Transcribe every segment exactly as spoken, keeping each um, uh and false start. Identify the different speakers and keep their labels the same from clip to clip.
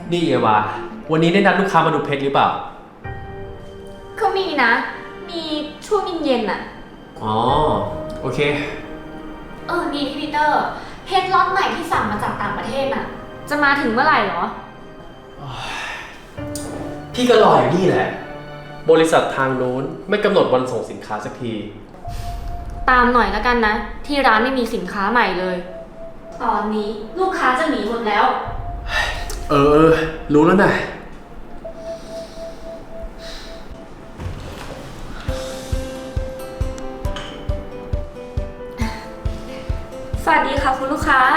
Speaker 1: นี่เอวาวันนี้ได้นัดลูกค้ามาดูเพชรหรือเปล่า
Speaker 2: ก็มีนะ มีช่วงเย็นๆน่ะ
Speaker 1: อ๋อโอเค
Speaker 2: เออนี่พี่ปีเตอร์เพชรล็อตใหม่ที่สั่งมาจากต่างประเทศน่ะจะมาถึงเมื่อไหร่หรอ
Speaker 1: พี่ก็รออยู่นี่แหละบริษัททางโน้นไม่กำหนดวันส่งสินค้าสักที
Speaker 2: ตามหน่อยแล้วกันนะที่ร้านไม่มีสินค้าใหม่เลยตอนนี้ลูกค้าจะหนีหมดแล้ว
Speaker 1: เออเออรู้แล้วนะ
Speaker 2: สวัสดีค่ะคุณลูกค้า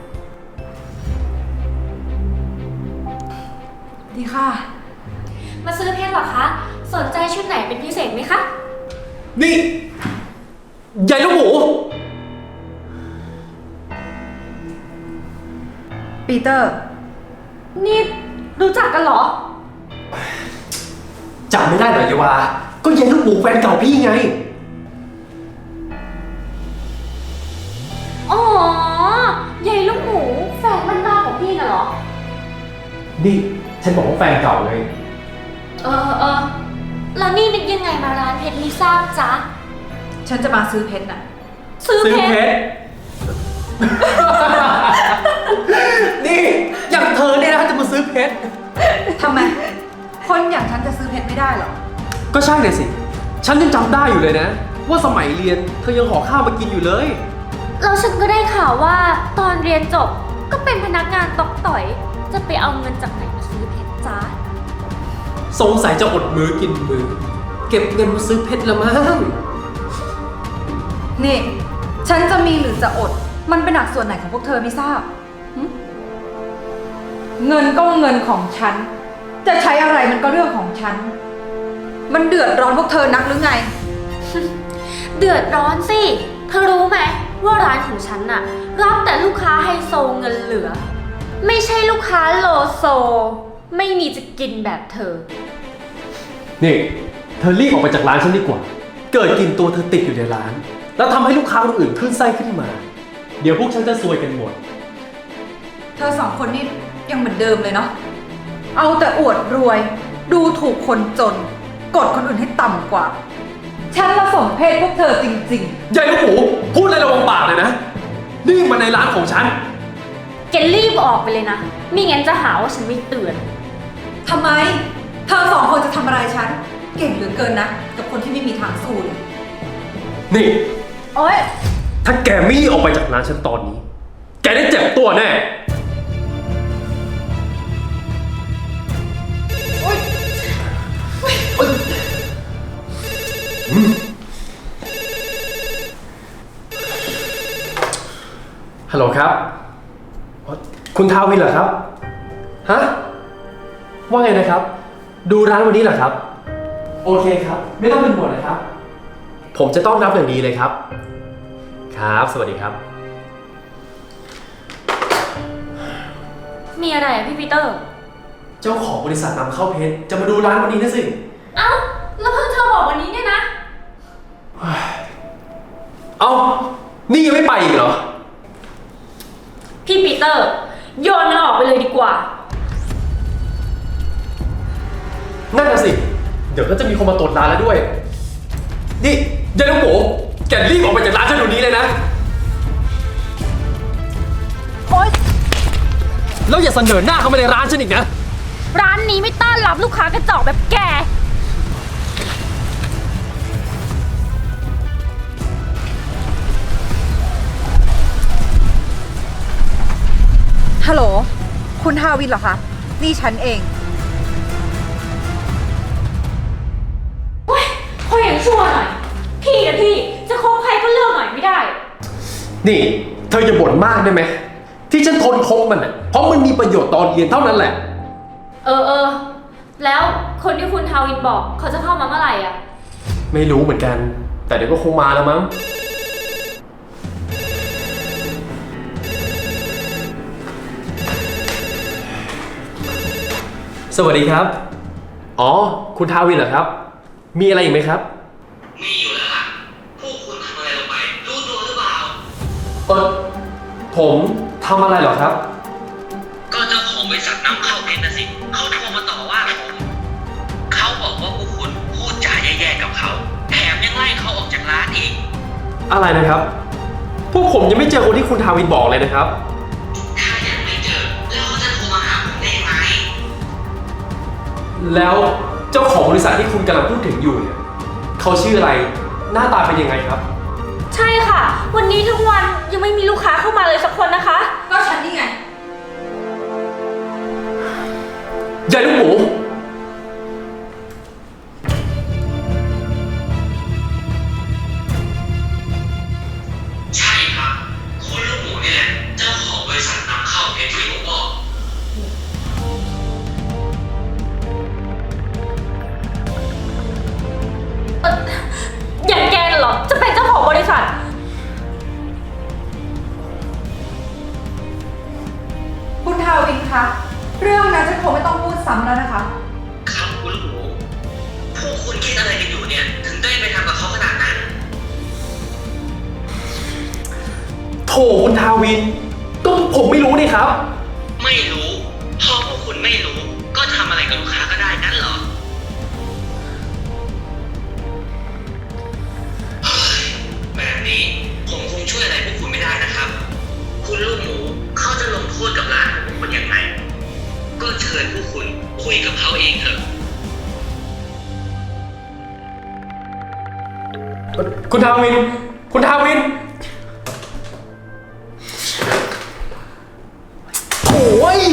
Speaker 3: ดีค่ะ
Speaker 2: มาซื้อเพชรเหรอคะสนใจชุดไหนเป็นพิเศษไหมคะ
Speaker 1: นี่ใหญ่ลูกหมู
Speaker 3: ปีเตอร์
Speaker 2: นี่รู้จักกันเหรอ
Speaker 1: จำไม่ได้เหรอเยวาก็ใหญ่ลูกหมูแฟนเก่าพี่ไง
Speaker 2: อ๋อใหญ่ลูกหมูแฟนบ้านนอกของพี่น่ะเหรอ
Speaker 1: นี่ฉันบอกว่าแฟนเก่าไง
Speaker 2: เออเออแล้วนี่นึกยังไงมาร้านเพชรไม่ทราบจ๊ะ
Speaker 3: ฉันจะมาซื้อเพชรน่ะ
Speaker 2: ซื้อเพชร
Speaker 1: นี่อย่างเธอเนี่ยนะจะมาซื้อเพชร
Speaker 3: ทำไมคนอย่างฉันจะซื้อเพชรไม่ได้หรอ
Speaker 1: ก็ใช่เลยสิฉันยังจำได้อยู่เลยนะว่าสมัยเรียนเธอยังห่อข้าวมากินอยู่เลย
Speaker 2: แล้วฉันก็ได้ข่าวว่าตอนเรียนจบก็เป็นพนักงานตอกต่อยจะไปเอาเงินจากไหนมาซื้อเพชรจ๊ะ
Speaker 1: สงสัยจะอดมือกินมือเก็บเงินมาซื้อเพชรละมั้ง
Speaker 3: นี่ฉันจะมีหรือจะอดมันเป็นหนักส่วนไหนของพวกเธอไม่ทราบเงินก็เงินของฉันจะใช้อะไรมันก็เรื่องของฉันมันเดือดร้อนพวกเธอนักหรือไง
Speaker 2: เดือดร้อนสิเธอรู้ไหมว่าร้านของฉันน่ะรับแต่ลูกค้าไฮโซเงินเหลือไม่ใช่ลูกค้าโลโซไม่มีจะกินแบบเธอ
Speaker 1: นี่เธอรีบออกไปจากร้านฉันดีกว่าเกิดกินตัวเธอติดอยู่ในร้านแล้วทำให้ลูกค้าคนอื่นขึ้นไส้ขึ้นมาเดี๋ยวพวกฉันจะซวยกันหมด
Speaker 3: เธอสองคนนี่ยังเหมือนเดิมเลยเนาะเอาแต่อวดรวยดูถูกคนจนกดคนอื่นให้ต่ำกว่าฉันละสมเพศพวกเธอจริง
Speaker 1: ๆใหญ่ลูกหมูพูดอะไรระวังปากเลยนะนี่มันในร้านของฉัน
Speaker 2: แกรีบออกไปเลยนะไม่งั้นจะหาว่าฉันไม่เตือน
Speaker 3: ทำไมเธอสองคนจะทำอะไรฉันเก่งเหลือเกินนะกับคนที่ไม่มีทางสู้เลย
Speaker 1: นี่
Speaker 3: โอ๊ย
Speaker 1: ถ้าแกไม่ออกไปจากร้านฉันตอนนี้แกได้เจ็บตัวแน่
Speaker 3: โอ๊ย
Speaker 1: ฮัลโหลครับคุณทาวินเหรอครับฮะว่าไงนะครับดูร้านวันนี้เหรอครับโอเคครับไม่ต้องเป็นห่วงนะครับผมจะต้องรับอย่างดีเลยครับครับสวัสดีครับ
Speaker 2: มีอะไรอะพี่ปีเตอร์
Speaker 1: เจ้าของบริษัทนำเข้าเพชรจะมาดูร้านวันนี้นะสิ
Speaker 2: เอ้าแล้วเพิ่งเธอบอกวันนี้เนี่ยนะ
Speaker 1: เอ้านี่ยังไม่ไปอีกเหรอ
Speaker 2: พี่ปีเตอร์โยนมันออกไปเลยดีกว่า
Speaker 1: นั่นน่ะสิเดี๋ยวก็จะมีคนมาตรวจร้านแล้วด้วยนี่ยายลูกหมูแกรีบออกไปจากร้านฉันเดี๋ยวนี้เลยนะ
Speaker 3: โอ๊ย
Speaker 1: แล้วอย่าเสนอหน้าเข้ามาในร้านฉันอีกนะ
Speaker 2: ร้านนี้ไม่ต้อนรับลูกค้ากระจอกแบบแก
Speaker 3: ฮัลโหลคุณทาวินเหรอคะนี่ฉันเอง
Speaker 2: เฮ้ยพออย่างชั่วหน่อยพี่กับพี่จะคบใครก็เลือกหน่อยไม่ได้
Speaker 1: นี่เธออย่าบ่นมากได้ไหมที่ฉันทนคบมันอ่ะเพราะมันมีประโยชน์ตอนเรียนเท่านั้นแหละ
Speaker 2: เออเออแล้วคนที่คุณทาวินบอกเขาจะเข้ามาเมื่อไหร่อ่ะ
Speaker 1: ไม่รู้เหมือนกันแต่เดี๋ยวก็คงมาแล้วมั้งสวัสดีครับอ๋อคุณทาวินเหรอครับมีอะไรอีกไหมครับ
Speaker 4: มีอยู่แล้วล่ะพวกคุณทำอะไรลงไปรู้ตัวหรือเปล่า
Speaker 1: เออผมทำอะไรเหรอครับ
Speaker 4: ก็เจ้าของบริษัทนำเข้าเน็ตนะสิเขาโทรมาต่อว่าผมเขาบอกว่าพวกคุณพูดจาแย่ๆกับเขาแถมยังไล่เขาออกจากร้านอีก
Speaker 1: อะไรนะครับ พวกผมยังไม่เจอคนที่คุณทาวินบอกเลยนะครับ
Speaker 4: ถ้ายังไม่เจอแล้วเขาจะโทรมาหาผมได้ยังไง
Speaker 1: แล้วเจ้าของบริษัทที่คุณกำลังพูดถึงอยู่เนี่ยเขาชื่ออะไร หน้าตาเป็นยังไงครับ
Speaker 2: ใช่ค่ะ วันนี้ทั้งวันยังไม่มีลูกค้าเข้ามาเลยสักคนนะคะ
Speaker 3: ก็ฉันนี่ไง
Speaker 1: ยายลูกหมู
Speaker 4: ใช่ครับคุณลูกหมูนี่แหละเจ้าของบริษัทนำเข้าเพชรที่ผมบอก
Speaker 2: เอ่ออย่างแกน่ะเหรอ จะเป็นเจ้าของบริษัท
Speaker 3: คุณทาวินคะ เรื่องนั้นฉันคงไม่ต้องพูดซ้ำแล้วนะคะ
Speaker 4: ครับคุณลูกหมูพวกคุณคิดอะไรกันอยู่เนี่ย ถึงได้ไปทำกับเขาขนาดนั้น
Speaker 1: โถคุณทาวิน ก็ผมไม่รู้นี่ครับ
Speaker 4: ไม่รู้พอพวกคุณไม่รู้ ก็ทำอะไรกับลูกค้าก็ได้นั่นเหรอเฮ้ยแบบนี้ผมคงช่วยอะไรพวกคุณไม่ได้นะครับ คุณลูกหมูเขาจะลงโทษกับร้านของคุณยังไง ก็เชิญพวกคุณคุยกับเขาเองเถอะ
Speaker 1: คุณทาวิน คุณทาวิน โอ้ย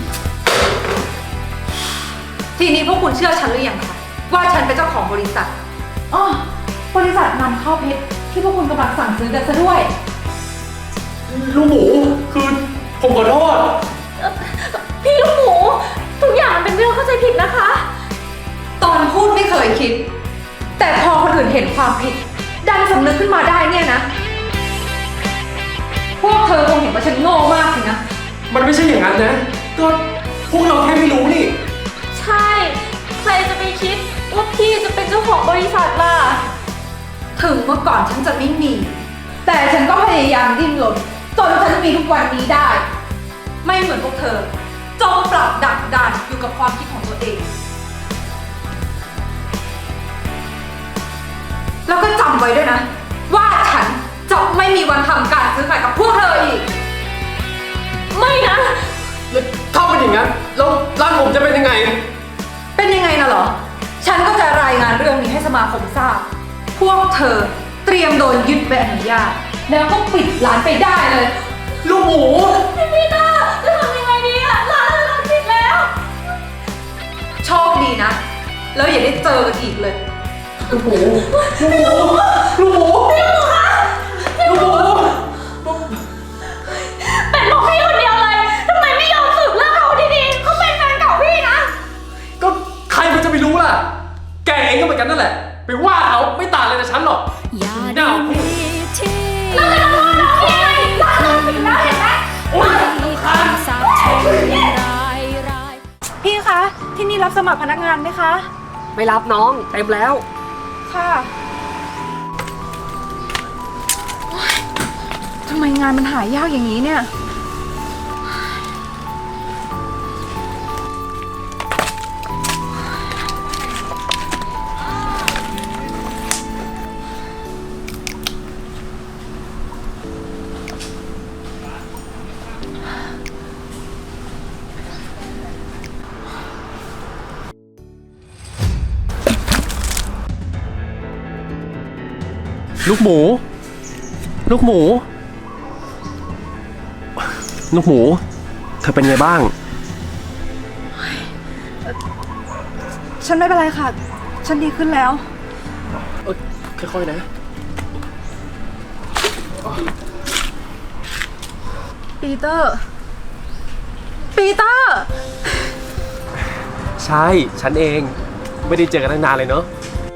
Speaker 3: ทีนี้พวกคุณเชื่อฉันหรือยังคะว่าฉันเป็นเจ้าของบริษัทอ๋อบริษัทนำเข้าเพชรที่พวกคุณกำลังสั่งซื้อกันซะด้วย
Speaker 1: ลูกหมู คือผมขอโทษ
Speaker 2: พี่ลูกหมู ทุกอย่างมันเป็นเรื่องเข้าใจผิดนะคะ
Speaker 3: ตอนพูดไม่เคยคิด แต่พอคนอื่นเห็นความผิด ดันสำนึกขึ้นมาได้เนี่ยนะ พวกเธอคงเห็นว่าฉันโง่มากสินะ
Speaker 1: มันไม่ใช่อย่างนั้นนะ ก็พวกเราแค่ไม่รู้นี่
Speaker 2: ใช่ ใครจะไปคิดว่าพี่จะเป็นเจ้าของบริษัทล่ะ
Speaker 3: ถึงเมื่อก่อนฉันจะไม่มี แต่ฉันก็พยายามดิ้นรนจนฉันมีทุกวันนี้ได้ ไม่เหมือนพวกเธอจงปรับดักดานอยู่กับความคิดของตัวเอง แล้วก็จำไว้ด้วยนะ ว่าฉันจะไม่มีวันทำการซื้อขายกับพวกเธออีก
Speaker 2: ไม่นะ
Speaker 1: แล้วถ้าเป็นอย่างนั้น แล้วร้านผมจะเป็นยังไง
Speaker 3: เป็นยังไงน่ะเหรอ ฉันก็จะรายงานเรื่องนี้ให้สมาคมทราบ พวกเธอเตรียมโดนยึดใบอนุญาต แล้วก็ปิดร้านไปได้เลย
Speaker 1: ลูกหมู
Speaker 2: พี่ปีเตอร์จะทำยังไงดีอะร้านเราปิดแล้ว
Speaker 3: โชคดีนะ แล้วอย่าได้เจอกันอีกเลย
Speaker 1: ลูกหมู ลูกหมู ลูกหมู ลูกหมู
Speaker 2: เป็นบอกพี่คนเดียวเลยทำไมไม่ยอมสืบเรื่องเขาดีๆเขาเป็นแฟนเก่าพี่นะ
Speaker 1: ก็ใครมันจะไปรู้ล่ะ แกเองก็เหมือนกันนั่นแหละ ไปว่าเขาไม่ต่างเลยจากฉันหรอก
Speaker 5: อย่า
Speaker 1: ห
Speaker 5: ได้
Speaker 1: น้า
Speaker 5: มีที่
Speaker 2: แล้วจะมาว่าน้องพี่ไงร้านเราปิดแล้วเห็นไหม
Speaker 1: โอ๊ย
Speaker 5: มีคำสาปแช่งร้ายร้าย
Speaker 3: พี่คะ ที่นี่รับสมัครพนักงานไหมคะ
Speaker 6: ไม่รับน้องเต็มแล้ว
Speaker 3: ค่ะโอ๊ยทำไมงานมันหายากอย่างนี้เนี่ย
Speaker 1: ลูกหมู ลูกหมู ลูกหมู เธอเป็นไงบ้าง
Speaker 3: ฉันไม่เป็นไรค่ะ ฉันดีขึ้นแล้ว
Speaker 1: เอ้ยค่อยๆนะ
Speaker 3: ปีเตอร์ ปีเตอร์
Speaker 1: ใช่ ฉันเอง ไม่ได้เจอกันตั้งนานเลยเนาะ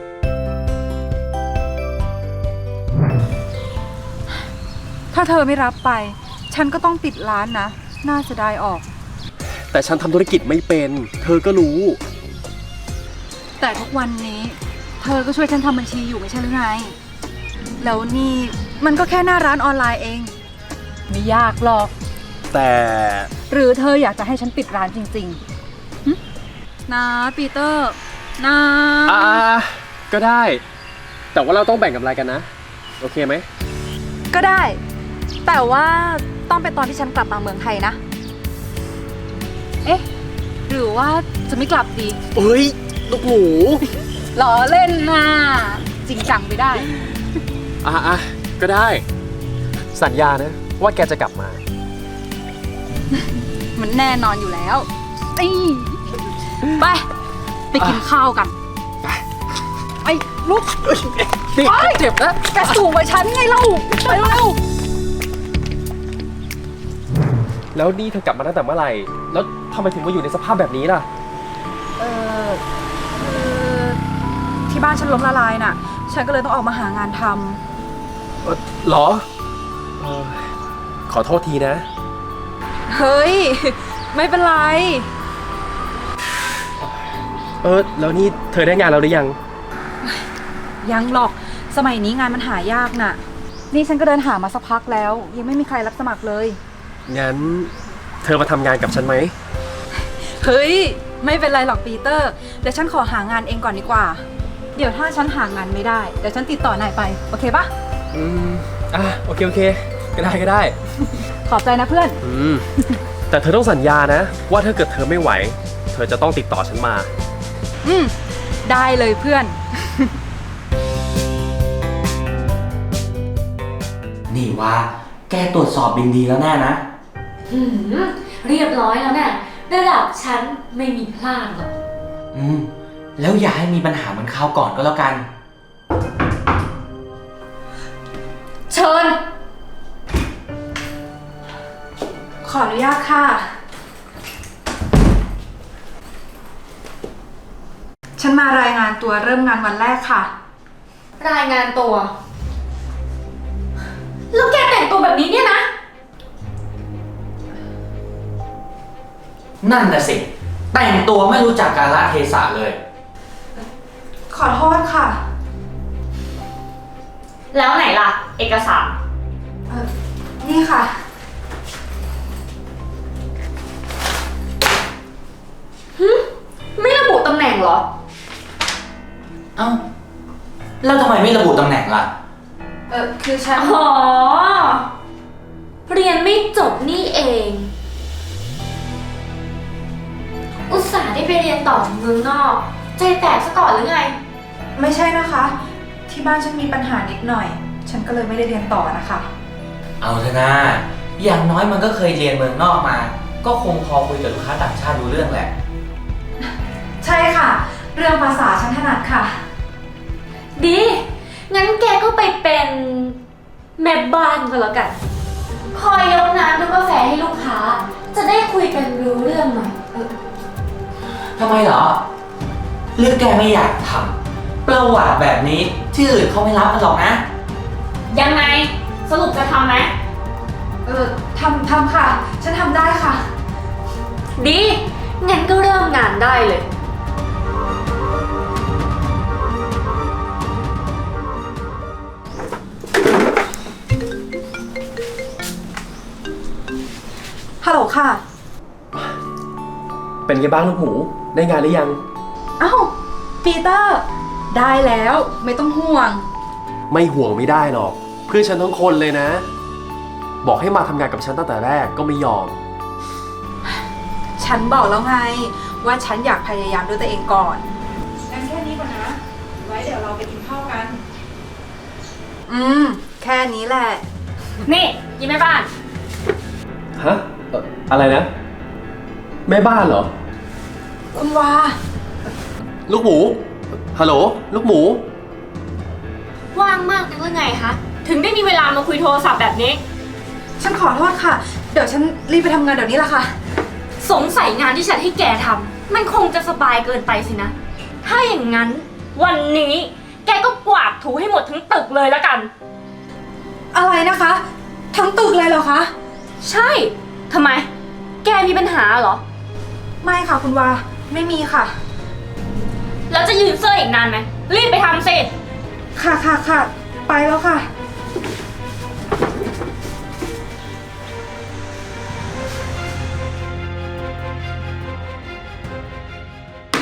Speaker 3: ถ้าเธอไม่รับไป ฉันก็ต้องปิดร้านนะ น่าเสียดายออก
Speaker 1: แต่ฉันทำธุรกิจไม่เป็น เธอก็รู้
Speaker 3: แต่ทุกวันนี้ เธอก็ช่วยฉันทำบัญชีอยู่ไม่ใช่หรือไง แล้วนี่มันก็แค่หน้าร้านออนไลน์เอง ไม่ยากหรอก
Speaker 1: แต่
Speaker 3: หรือเธออยากจะให้ฉันปิดร้านจริงนะปีเตอร์นะ
Speaker 1: อ่าก็ได้ แต่ว่าเราต้องแบ่งกำไรกันนะ โอเคไหม
Speaker 3: ก็ได้ แต่ว่าต้องเป็นตอนที่ฉันกลับมาเมืองไทยนะ เอ๊ะ หรือว่าจะไม่กลับดี
Speaker 1: เฮ้ย ลูกหมู
Speaker 3: ล้อเล่นนะจริงจังไม่ได้
Speaker 1: อ่ะอ่ะก็ได้ สัญญานะ ว่าแกจะกลับมา
Speaker 3: มันแน่นอนอยู่แล้วนี่ไป ไปกินข้าวกัน ไอ้ลูก
Speaker 1: นี่เจ็บนะ
Speaker 3: แกสูงกว่าฉันไงเล่าไปเร็ว
Speaker 1: แล้วนี่เธอกลับมาตั้งแต่เมื่อไหร่ แล้วทำไมถึงมาอยู่ในสภาพแบบนี้ล่ะ
Speaker 3: เออคือที่บ้านฉันล้มละลายน่ะ ฉันก็เลยต้องออกมาหางานท
Speaker 1: เอ่อเหรอเอ่อขอโทษทีนะ
Speaker 3: ำ เฮ้ย ไม่เป็นไร
Speaker 1: เออ แล้วนี่เธอได้งานแล้วหรือยัง
Speaker 3: ยังหรอก สมัยนี้งานมันหายากน่ะ นี่ฉันก็เดินหามาสักพักแล้ว ยังไม่มีใครรับสมัครเลย
Speaker 1: งั้นเธอมาทำงานกับฉันไหม
Speaker 3: เฮ้ย ไม่เป็นไรหรอกปีเตอร์ เดี๋ยวฉันขอหางานเองก่อนดีกว่า เดี๋ยวถ้าฉันหางานไม่ได้ เดี๋ยวฉันติดต่อนายไป โอเคปะ
Speaker 1: อืม อ่ะ โอเค โอเค ก็ได้ก็ได้
Speaker 3: ขอบใจนะเพื่อน
Speaker 1: อืม แต่เธอต้องสัญญานะ ว่าถ้าเกิดเธอไม่ไหว เธอจะต้องติดต่อฉันมา
Speaker 3: อืม ได้เลยเพื่อน
Speaker 4: นี่ว่าแกตรวจสอบบินดีแล้วแน่นะ
Speaker 2: หืมเรียบร้อยแล้วเนี่ยระดับฉันไม่มีพลาดหรอก
Speaker 4: อืม แล้วอย่าให้มีปัญหาเหมือนคราวก่อนก็แล้วกัน
Speaker 2: เชิญ
Speaker 3: ขออนุญาตค่ะ ฉันมารายงานตัวเริ่มงานวันแรกค่ะ
Speaker 2: รายงานตัว แล้วแกแต่งตัวแบบนี้เนี่ยนะ
Speaker 4: นั่นน่ะสิ แต่งตัวไม่รู้จักกาลเทศะเลย
Speaker 3: ขอโทษค่ะ
Speaker 2: แล้วไหนล่ะ เอกสาร
Speaker 3: เออนี่ค่ะ
Speaker 2: ไม่ระบุตำแหน่งเหรอ
Speaker 4: เอ้า แล้วทำไมไม่ระบุตำแหน่งล่ะ
Speaker 3: เออคือฉัน
Speaker 2: อ๋อ เรียนไม่จบนี่เอง อุตส่าห์ได้ไปเรียนต่อเมืองนอก ใจแตกซะก่อนหรือไง
Speaker 3: ไม่ใช่นะคะ ที่บ้านฉันมีปัญหานิดหน่อย ฉันก็เลยไม่ได้เรียนต่อนะคะ
Speaker 4: เอาเถอะนะอย่างน้อยมันก็เคยเรียนเมืองนอกมา ก็คงพอคุยกับลูกค้าต่างชาติรู้เรื่องแหละ
Speaker 3: ใช่ค่ะ เรื่องภาษาฉันถนัดค่ะ
Speaker 2: ดี งั้นแกก็ไปเป็นแม่บ้านก็แล้วกัน คอยยกน้ำยกกาแฟให้ลูกค้า จะได้คุยกันรู้เรื่องหน่อยเออ
Speaker 4: ทำไมเหรอหรือแกไม่อยากทำประวัติแบบนี้ที่อื่นเขาไม่รับกันหรอกนะ
Speaker 2: ยังไง สรุปจะทำไหม
Speaker 3: เออทำทำค่ะ ฉันทำได้ค่ะ
Speaker 2: ดี งั้นก็เริ่มงานได้เลย
Speaker 3: ฮัลโหลค่ะ
Speaker 1: เป็นไงบ้างลูกหมู ได้งานหรือยัง
Speaker 3: เอ้า ปีเตอร์ ได้แล้ว ไม่ต้องห่วง
Speaker 1: ไม่ห่วงไม่ได้หรอก เพื่อนฉันทั้งคนเลยนะ บอกให้มาทำงานกับฉันตั้งแต่แรกก็ไม่ยอม
Speaker 3: ฉันบอกแล้วไง ว่าฉันอยากพยายามด้วยตัวเองก่อน งั้นแค่นี้ก่อนนะ ไว้เดี๋ยวเราไปกินข้าวกัน อืม แค่นี้แหละ
Speaker 2: นี่ยิ้มแม่บ้าน
Speaker 1: ฮะเอ่ออะไรนะ แม่บ้านเหรอ
Speaker 3: คุณวา
Speaker 1: ลูกหมู ฮัลโหล ลูกหมู
Speaker 2: ว่างมากนักหรือไงคะ ถึงได้มีเวลามาคุยโทรศัพท์แบบนี้
Speaker 3: ฉันขอโทษค่ะ เดี๋ยวฉันรีบไปทำงานเดี๋ยวนี้ละค่ะ
Speaker 2: สงสัยงานที่ฉันให้แกทำมันคงจะสบายเกินไปสินะ ถ้าอย่างนั้น วันนี้แกก็กวาดถูให้หมดทั้งตึกเลยแล้วกัน
Speaker 3: อะไรนะคะ ทั้งตึกเลยเหรอคะ
Speaker 2: ใช่ ทำไม แกมีปัญหาเหรอ
Speaker 3: ไม่ค่ะคุณวา ไม่มีค่ะ
Speaker 2: แล้วจะยืนเสื้ออีกนานไหม รีบไปทำสิ
Speaker 3: ค่ะค่ะค่ะ ไปแล้วค่ะ
Speaker 2: น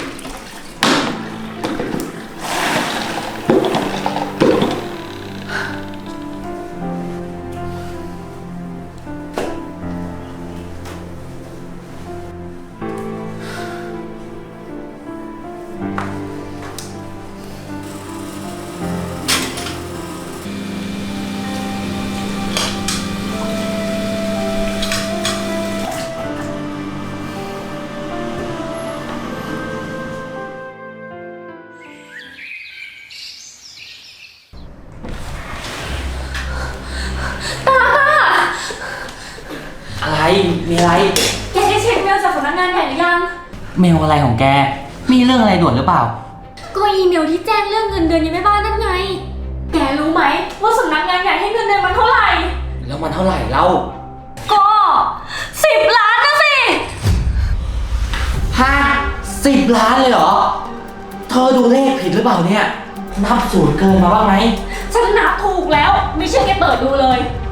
Speaker 7: อะไร มีอะไร
Speaker 2: แกได้เช็คเมลจากสำนักงานใหญ่หรือยัง
Speaker 7: เมลอะไรของแก มีเรื่องอะไรด่วนหรือเปล่า
Speaker 2: ก็อีเมลที่แจ้งเรื่องเงินเดือนยังไม่บ้านนั่นไง แกรู้ไหมว่าสำนักงานใหญ่ให้เงินเดือนมันเท่าไหร่
Speaker 7: แล้วมันเท่าไหร่เล่า
Speaker 2: ก็สิบล้านนะสิ
Speaker 7: ฮะสิบล้านเลยเหรอ เธอดูเลขผิดหรือเปล่าเนี่ย นับศูนย์เกินมาบ้างไหม
Speaker 2: ฉันนับถูกแล้ว ไม่เชื่อแกเปิดดูเลย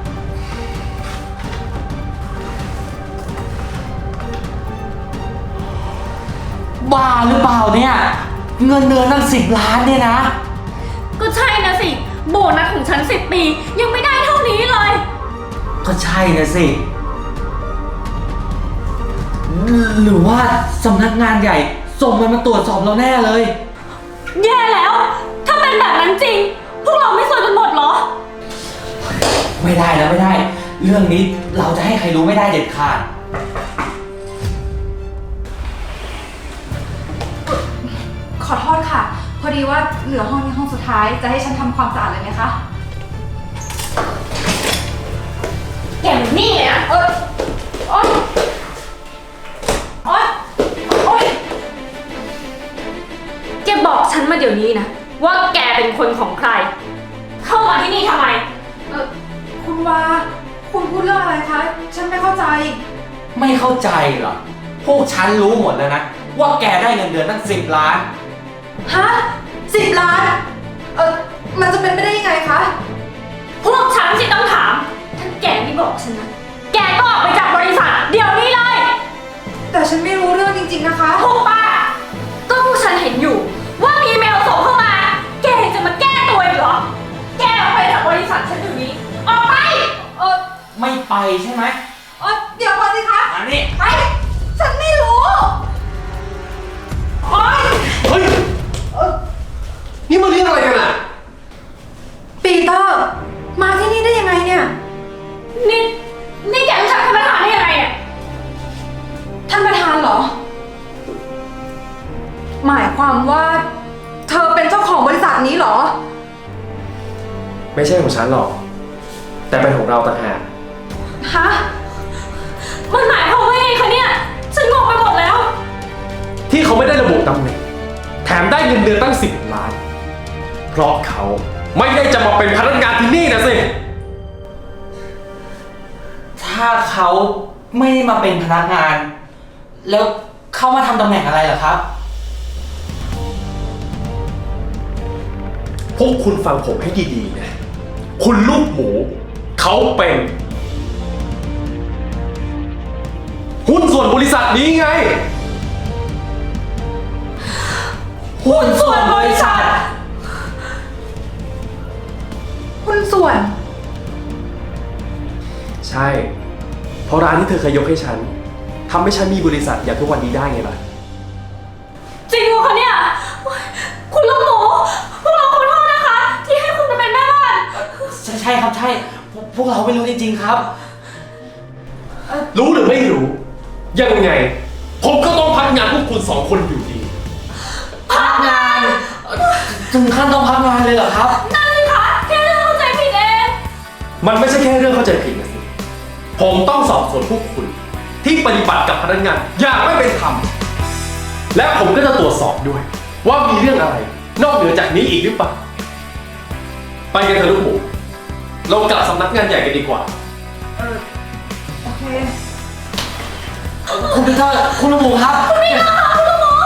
Speaker 7: บ้าหรือเปล่าเนี่ย เงินเดือนตั้งสิบล้านเนี่ยนะ
Speaker 2: ก็ใช่นะสิ โบนัสของฉันสิบปียังไม่ได้เท่านี้เลย
Speaker 7: ก็ใช่นะสิ หรือว่าสำนักงานใหญ่ส่งมันมาตรวจสอบเราแน่เลย
Speaker 2: แย่แล้ว ถ้าเป็นแบบนั้นจริง พวกเราไม่สวยกันหมดเหรอ
Speaker 7: ไม่ได้แล้วไม่ได้ เรื่องนี้เราจะให้ใครรู้ไม่ได้เด็ดขาด
Speaker 3: ขอโทษค่ะ พอดีว่าเหลือห้องนี้ห้องสุดท้าย จะให้ฉันทำความสะอาดเลยไหมคะ
Speaker 2: แกมันนี่เลยนะ
Speaker 3: เออโอ๊ยโอ๊ยโอ๊ย
Speaker 2: แกบอกฉันมาเดี๋ยวนี้นะ ว่าแกเป็นคนของใคร เข้ามาที่นี่ทำไม
Speaker 3: เออคุณวาคุณพูดเรื่องอะไรคะ ฉันไม่เข้าใจ
Speaker 7: ไม่เข้าใจเหรอ พวกฉันรู้หมดแล้วนะ ว่าแกได้เงินเดือนตั้งสิบล้าน
Speaker 3: ฮะสิบล้าน เออมันจะเป็นไปได้ยังไงคะ
Speaker 2: พวกฉันสิต้องถาม ถ้าแกไม่บอกฉันนะ แกก็ออกไปจากบริษัท เดี๋ยวนี้เลย
Speaker 3: แต่ฉันไม่รู้เรื่องจริงๆนะคะ
Speaker 2: ถูกปะก็พวกฉันเห็นอยู่ ว่ามีเมลส่งเข้ามา แกยังจะมาแก้ตัวอีกเหรอ แกออกไปจากบริษัทฉันอยู่นี้ ออกไป
Speaker 3: เออ
Speaker 7: ไม่ไปใช่ไหม
Speaker 3: เออเดี๋ยวก่อนสิคะ
Speaker 7: อันนี้
Speaker 3: ไป ฉันไม่รู้
Speaker 2: โอ๊ย
Speaker 1: เฮ้ยเอ้ยนี่มันเรื่องอะไรกันอ่ะ
Speaker 3: ปีเตอร์ มาที่นี่ได้ยังไงเนี่ย
Speaker 2: นี่นี่แกรู้จักท่านประธานได้ยังไงเนี่ย
Speaker 3: ท่านประธานเหรอ หมายความว่า เธอเป็นเจ้าของบริษัทนี้เหรอ
Speaker 1: ไม่ใช่ของฉันหรอก แต่เป็นของเราต่างหาก
Speaker 3: ฮะ
Speaker 2: มันหมายความว่าไงคะเนี่ย ฉันงงไปหมดแล้ว
Speaker 1: ที่เขาไม่ได้ระบุตำแหน่งแถมได้เงินเดือนตั้งสิบล้าน เพราะเขาไม่ได้จะมาเป็นพนักงานที่นี่นะสิ
Speaker 7: ถ้าเขาไม่ได้มาเป็นพนักงาน แล้วเขามาทำตำแหน่งอะไรเหรอครับ
Speaker 1: พวกคุณฟังผมให้ดีๆนะ คุณลูกหมู เขาเป็น หุ้นส่วนบริษัทนี้ไง
Speaker 7: หุ้นส่วนบริษัท
Speaker 3: หุ้นส่วน
Speaker 1: ใช่ เพราะร้านที่เธอเคยยกให้ฉันทำให้ฉันมีบริษัทอย่างทุกวันนี้ได้ไงล่ะ
Speaker 2: จริงเหรอคะเนี่ย คุณลูกหมู พวกเราขอโทษนะคะ ที่ให้คุณมาเป็นแม่บ้าน
Speaker 7: ใช่ใช่ครับใช่พวกพวกเราไม่รู้จริงๆครับ
Speaker 1: รู้หรือไม่รู้ ยังไง ผมก็ต้องพักงานพวกคุณสองคนอยู่ดี
Speaker 7: พักงานถึงขั้นต้องพักงานเลยเหรอครับ
Speaker 2: นั่นสิคะแค่เรื่องเข้าใจผิดเอง
Speaker 1: มันไม่ใช่แค่เรื่องเข้าใจผิดนะสิ ผมต้องสอบสวนพวกคุณ ที่ปฏิบัติกับพนักงานอย่างไม่เป็นธรรม และผมก็จะตรวจสอบด้วย ว่ามีเรื่องอะไร นอกเหนือจากนี้อีกหรือเปล่า ไปกันเถอะลูกหมู เรากลับสำนักงานใหญ่กันดีกว่า
Speaker 3: เออ โอเค
Speaker 7: คุณปีเตอร์คุณลูกหมูครับคุณปีเตอร์คุณลูกหมู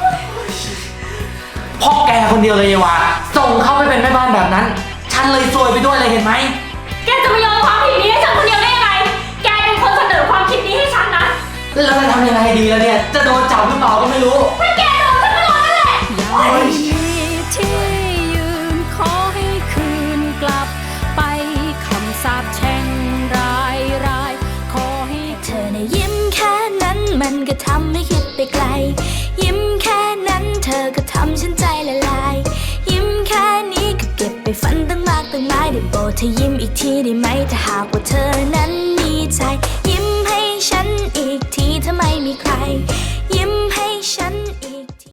Speaker 7: พ่อแกคนเดียวเลยเยวาส่งเข้าไปเป็นแม่บ้านแบบนั้น ฉันเลยซวยไปด้วยเลยเห็นไหม
Speaker 2: แกจะมาโยนความผิดนี้ให้ฉันคนเดียวได้ยังไง แกเป็นคนเสนอความคิดนี้ให้ฉันนะ
Speaker 7: แล้วจะทำยังไงดีแล้วเนี่ย จะโดนจับหรือเปล่าก็ไม่รู้
Speaker 2: ถ้าแกโดนฉันก็โดนนั่นแหละ
Speaker 5: อย่ามีที่ยืนขอให้คืนกลับ ไปคำสาปแช่งรายรายขอให้เธอในะยิ้มแค่นั้นมันก็ทำให้คิดไปไกล ยิ้มแค่นั้นเธอก็ททีได้ไหมถ้าหากว่าเธอ